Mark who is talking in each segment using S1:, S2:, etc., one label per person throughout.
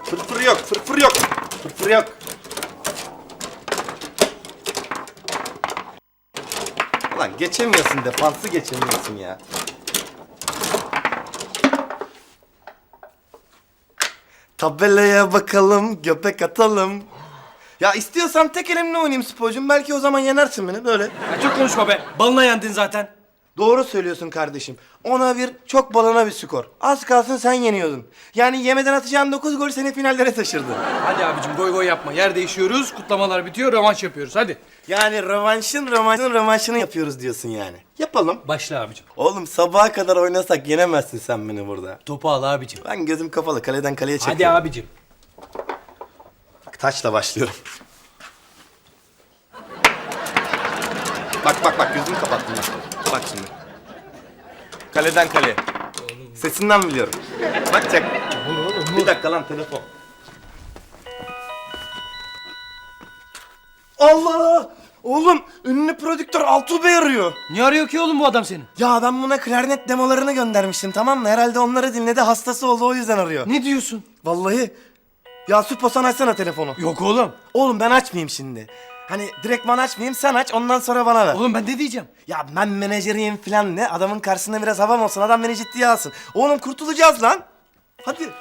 S1: Fırfır yok, fırfır yok. Fırfır yok. Ulan geçemiyorsun, defansı geçemiyorsun ya. Tabelaya bakalım, göbek atalım. Ya istiyorsan tek elimle oynayayım sporcum. Belki o zaman yenersin beni böyle.
S2: Ya çok konuşma be. Balına yendin zaten.
S1: Doğru söylüyorsun kardeşim. 10'a 1 çok balına bir skor. Az kalsın sen yeniyordun. Yani yemeden atacağın 9 gol seni finallere taşırdı.
S2: Hadi abicim goy goy yapma. Yer değişiyoruz. Kutlamalar bitiyor. Rövanş yapıyoruz. Hadi.
S1: Yani rövanşını yapıyoruz diyorsun yani. Yapalım.
S2: Başla abicim.
S1: Oğlum sabaha kadar oynasak yenemezsin sen beni burada.
S2: Topu al abicim.
S1: Ben gözüm kapalı kaleden kaleye
S2: Hadi
S1: çekiyorum.
S2: abicim.
S1: Bak, taçla başlıyorum. Bak gözümü kapattım bak. Bak şimdi. Kaleden kaleye. Sesinden biliyorum. Bak çek. Bir dakika lan telefon. Allah! Oğlum ünlü prodüktör Altuğ Bey arıyor.
S2: Niye arıyor ki oğlum bu adam seni?
S1: Ya ben buna klarnet demolarını göndermiştim tamam mı? Herhalde onları dinledi hastası oldu o yüzden arıyor.
S2: Ne diyorsun?
S1: Vallahi. Ya Süpo sen açsana telefonu.
S2: Yok oğlum.
S1: Oğlum ben açmayayım şimdi. Hani direkt ben açmayayım sen aç ondan sonra bana ver.
S2: Oğlum ben ne diyeceğim?
S1: Ya ben menajeriyim falan ne? Adamın karşısında biraz havam olsun. Adam beni ciddiye alsın. Oğlum kurtulacağız lan. Hadi.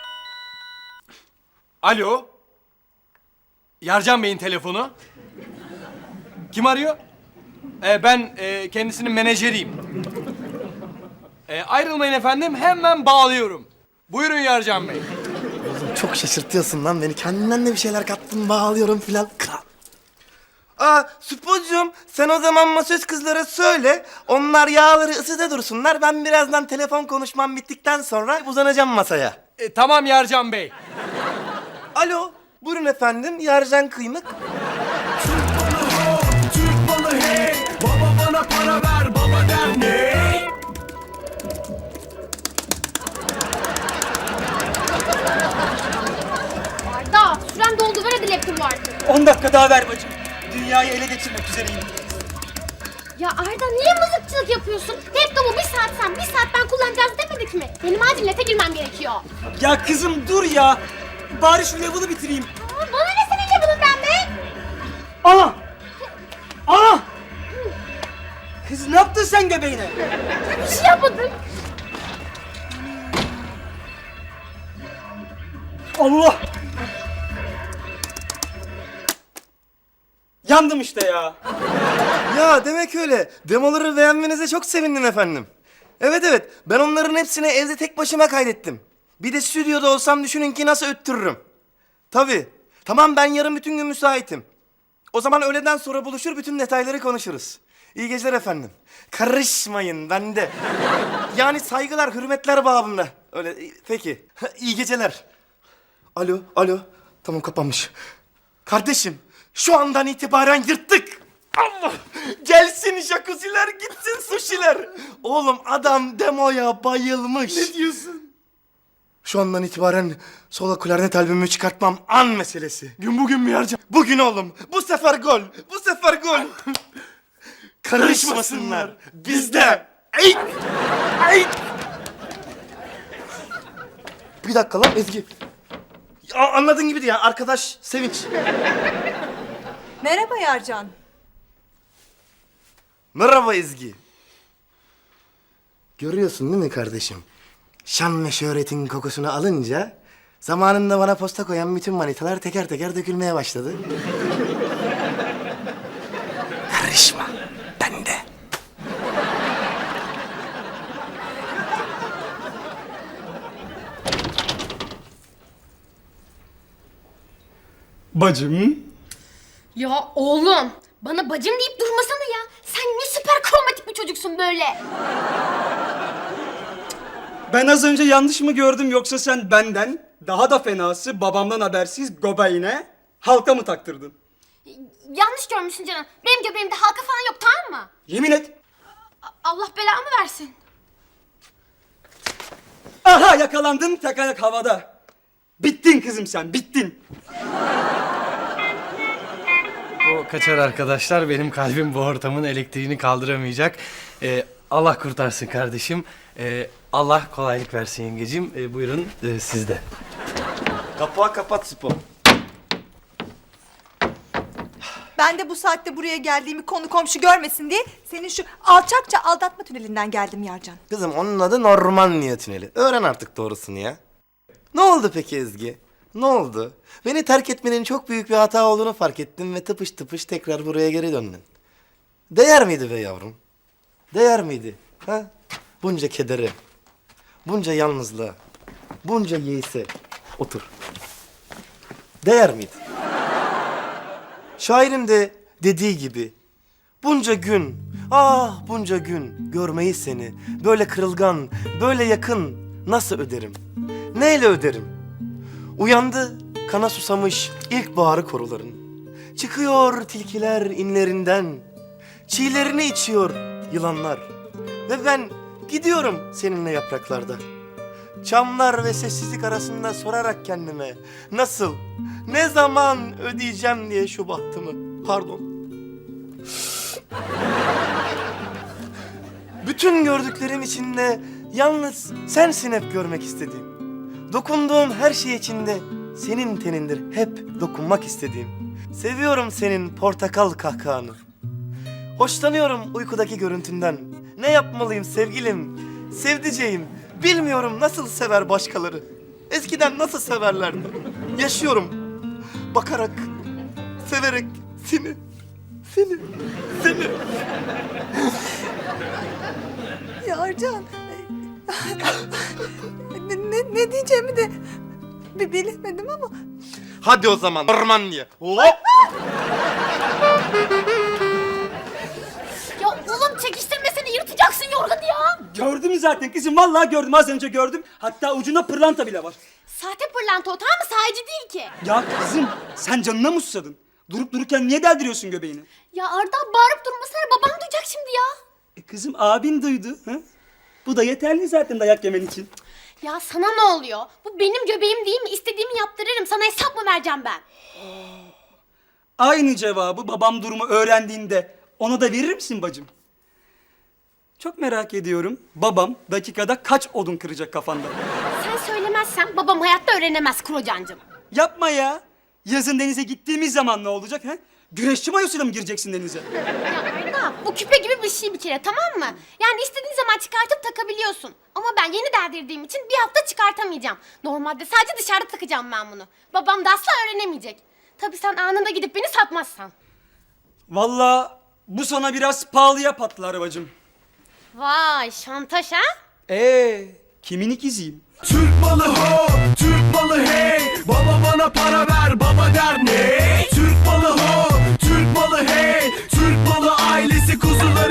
S2: Alo. Yarcan Bey'in telefonu. Kim arıyor? Ben kendisinin menajeriyim. Ayrılmayın efendim. Hemen bağlıyorum. Buyurun Yarcan Bey.
S1: Oğlum çok şaşırtıyorsun lan beni. Kendinden de bir şeyler kattın bağlıyorum falan. Kral. Aa Süpocuğum sen o zaman masöz kızlara söyle. Onlar yağları ısıda dursunlar. Ben birazdan telefon konuşmam bittikten sonra uzanacağım masaya.
S2: Tamam Yarcan Bey.
S1: Alo. Buyurun efendim. Yarcan Kıymık.
S3: Türk balı hey, baba bana para ver, baba der ne?
S4: Arda, süren doldu. Ver hadi laptopu artık.
S5: 10 dakika daha ver bacım. Dünyayı ele geçirmek üzereyim.
S4: Ya Arda niye mızıkçılık yapıyorsun? Laptopu bir saat sen, bir saat ben kullanacağız demedik mi? Benim acil nete girmem gerekiyor.
S5: Ya kızım dur ya. Bari şu level'ı bitireyim.
S4: Aa, bana ne senin level'ından be?
S5: Ana! Ana! Kız ne yaptın sen göbeğine?
S4: Bir şey yapmadım.
S5: Allah! Yandım işte ya.
S1: Ya demek öyle. Demoları beğenmenize çok sevindim efendim. Evet ben onların hepsini evde tek başıma kaydettim. Bir de stüdyoda olsam düşünün ki nasıl öttürürüm. Tabii. Tamam ben yarın bütün gün müsaitim. O zaman öğleden sonra buluşur bütün detayları konuşuruz. İyi geceler efendim. Karışmayın bende. Yani saygılar, hürmetler babında. Öyle peki. İyi geceler. Alo. Tamam kapanmış. Kardeşim şu andan itibaren yırttık. Allah! Gelsin jacuzziler, gitsin sushiler. Oğlum adam demoya bayılmış. Ne diyorsun? Şu andan itibaren solo klarnet albümümü çıkartmam an meselesi. Gün bugün mü Yarcan? Bugün oğlum. Bu sefer gol. Karışmasınlar. Bizde. Ey! Bir dakika lan Ezgi. Anladığın gibi değil ya. Arkadaş Sevinç.
S6: Merhaba Yarcan.
S1: Merhaba Ezgi. Görüyorsun değil mi kardeşim? Şan ve şöhretin kokusunu alınca zamanında bana posta koyan bütün manitalar teker teker dökülmeye başladı. Karışma. Bende.
S5: Bacım.
S4: Ya oğlum, bana bacım deyip durmasana ya. Sen ne süper kromatik bir çocuksun böyle.
S5: Ben az önce yanlış mı gördüm yoksa sen benden daha da fenası babamdan habersiz göbeğine halka mı taktırdın?
S4: Yanlış görmüşsün canım. Benim göbeğimde halka falan yok, tamam mı?
S5: Yemin et.
S4: Allah belamı versin.
S5: Aha yakalandım tek ayak havada. Bittin kızım sen bittin.
S2: O kaçar arkadaşlar. Benim kalbim bu ortamın elektriğini kaldıramayacak. Allah kurtarsın kardeşim. Allah kolaylık versin yengecim. Buyurun sizde.
S1: Kapağı kapat Spo.
S6: Ben de bu saatte buraya geldiğimi konu komşu görmesin diye senin şu alçakça aldatma tünelinden geldim Yarcan.
S1: Kızım onun adı Normandiya Tüneli. Öğren artık doğrusunu ya. Ne oldu peki Ezgi? Ne oldu? Beni terk etmenin çok büyük bir hata olduğunu fark ettim ve tıpış tıpış tekrar buraya geri döndün. Değer miydi be yavrum? Değer miydi? Ha? Bunca kedere, bunca yalnızlığa, bunca yeise. Otur. Değer miydi? Şairin de dediği gibi bunca gün, ah bunca gün görmeyi seni böyle kırılgan, böyle yakın nasıl öderim? Neyle öderim? Uyandı kana susamış ilkbaharı koruların. Çıkıyor tilkiler inlerinden, çiğlerini içiyor yılanlar. Ve ben gidiyorum seninle yapraklarda. Çamlar ve sessizlik arasında sorarak kendime nasıl, ne zaman ödeyeceğim diye şu bahtımı. Pardon. Bütün gördüklerim içinde yalnız sensin hep görmek istediğim. Dokunduğum her şey içinde senin tenindir hep dokunmak istediğim. Seviyorum senin portakal kahkahanı. Hoşlanıyorum uykudaki görüntünden. Ne yapmalıyım sevgilim, sevdiceğim. Bilmiyorum nasıl sever başkaları. Eskiden nasıl severlerdi. Yaşıyorum. Bakarak, severek seni.
S6: Yarcan. ne diyeceğimi de bilemedim ama.
S1: Hadi o zaman Normandiya. Hop!
S4: Ya oğlum çekiştirmesene yırtacaksın yorganı ya.
S5: Gördüm zaten kızım, vallahi gördüm, az önce gördüm. Hatta ucunda pırlanta bile var.
S4: Sahte pırlanta o, tamam mı? Sahici değil ki.
S5: Ya kızım, sen canına mı susadın? Durup dururken niye deldiriyorsun göbeğini?
S4: Ya Arda bağırıp durmasana, babam duyacak şimdi ya.
S5: Kızım, abin duydu. Ha? Bu da yeterli zaten dayak yemen için.
S4: Ya sana ne oluyor? Bu benim göbeğim değil mi? İstediğimi yaptırırım. Sana hesap mı vereceğim ben?
S5: Aynı cevabı babam durumu öğrendiğinde ona da verir misin bacım? Çok merak ediyorum. Babam dakikada kaç odun kıracak kafanda?
S4: Sen söylemezsen babam hayatta öğrenemez Krocancığım.
S5: Yapma ya. Yazın denize gittiğimiz zaman ne olacak ha? Güreşçi mayosuyla mı gireceksin denize?
S4: Ya Arda, bu küpe gibi bir şey bir kere, tamam mı? Yani istediğin zaman çıkartıp takabiliyorsun. Ama ben yeni deldirdiğim için bir hafta çıkartamayacağım. Normalde sadece dışarıda takacağım ben bunu. Babam da asla öğrenemeyecek. Tabii sen anında gidip beni satmazsan.
S5: Vallahi bu sana biraz pahalıya patlar bacım.
S4: Vay, şantaj ha?
S5: Kimin ikiziyim?
S3: Türk malı ho, Türk malı hey. Baba bana para ver.